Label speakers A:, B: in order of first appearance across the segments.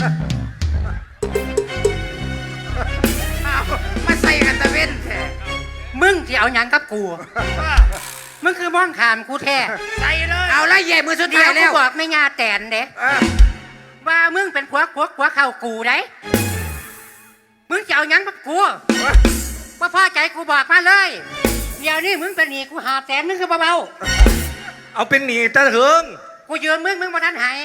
A: มาใส่กันตะเว้นแท้มึงที่เอาหยังกับกูมึงคือมองขามกูแท้ใส่เลยเอาละเย่มือสุดท้ายแล้วกูบอกไม่งาแตนเด้ว่ามึงเป็นผัวเข้ากูได้มึงจะเอาหยังกับกูว่าพ่อใจกูบอกมาเลยเดี๋ยวนี้มึงเป็นหนี้กู500,000มึงคือเบา
B: ๆเอาเป็นหนี้ตะเถิง
A: กูยืมมึงมาทันหาย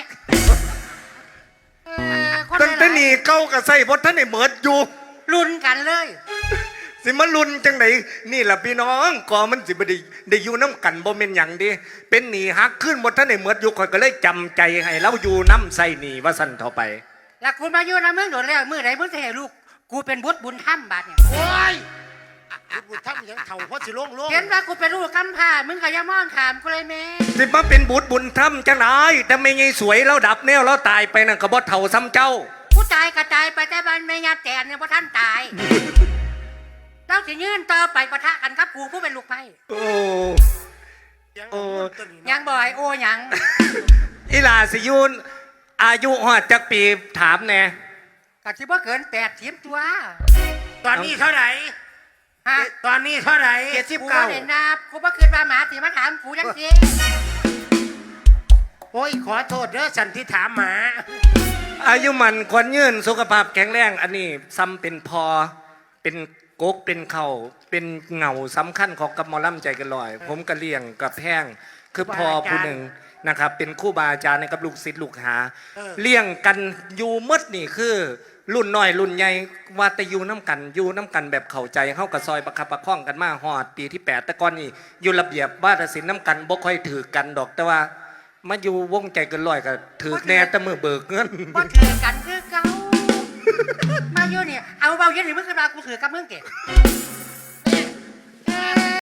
B: ตั้งแต่หนี้เก่ากับใส่บดท่านไอ้เหมิดอยู่
A: รุนกันเลย
B: สิมาลุนจังไหนนี่แหละพี่น้องก่อมันสิบได้อยู่น้ำกันบ่เม่นหยังดิเป็นหนีฮักขึ้นหมดท่านในเมือดอยู่คอยก็เลยจำใจให้เราอยู่น้ำใส่หนีว่าสั่นต่อไป
A: แล้วคุณมาอยู่นะมึงโดนแล้วมือไหนมึงจะให้ลูกกูเป็นบุญธรรมบาดเนี่ย
C: โอ้ยบุญธรรมยังเถ่าเพราะสิโล่ง
A: เห็นว่ากูเป็นลูกกำพร้ามึงก็อย่ามองขามกูเลยแม่
B: สิมาเป็นบุญธรรมจังไหนแต่ไม่ไงสวยแล้วดับแนวแล้วตายไปนั่นก็บ่เท่าซ้ำเจ้า
A: กูตายกระจายไปแต่บ้านไม่งาแตนเนี่ยเพราะท่านตายเราจะยื่นต่อไปปะทะกันครับกูผู้เป็นลูกไพ่
B: โอ้
A: ยังบ่อยโอ้ยัง
B: อีหลาสิยุนอายุหอดจักปีถามแน่
A: กะที่ว่าเกิน80ตัว
C: ตอนนี้เท่าไหร่
A: ฮะ
C: ตอนนี้เท่าไหร่
A: กูว่าเห็นนะกูว่าเกินมาหมาสิมาถามกูยังสิ
C: โอ้ยขอโทษเด้อฉันที่ถามหมา
B: อายุมันควรยืนสุขภาพแข็งแรงอันนี้ซ้ำเป็นพอเป็นกกเป็นเข่าเป็นเงาสำคัญของกับหมอลำใจกันลอยผมกระเลียงกับแห้งคือพอผู้หนึ่งนะครับเป็นคู่บาอาจารย์ในกับลูกศิษย์ลูกหาเลี้ยงกันอยู่มดนี่คือรุ่นน้อยรุ่นใหญ่ว่าแต่อยู่น้ำกันแบบเข้าใจเข้ากับซอยประคับประคองกันมาหอดปีที่8แต่ก่อนนี่อยู่ระเบียบวาทศิลป์น้ำกันบ่ค่อยถือกันดอกแต่ว่ามาอยู่วงใจกันลอยกับถือแน่แต่มือเบิกเงิน
A: บ่ถือกันคือเก่ามาอยู่นี่เอาเบาเย็นหรือมึงขึ้นมากูถือกับมึงเก๋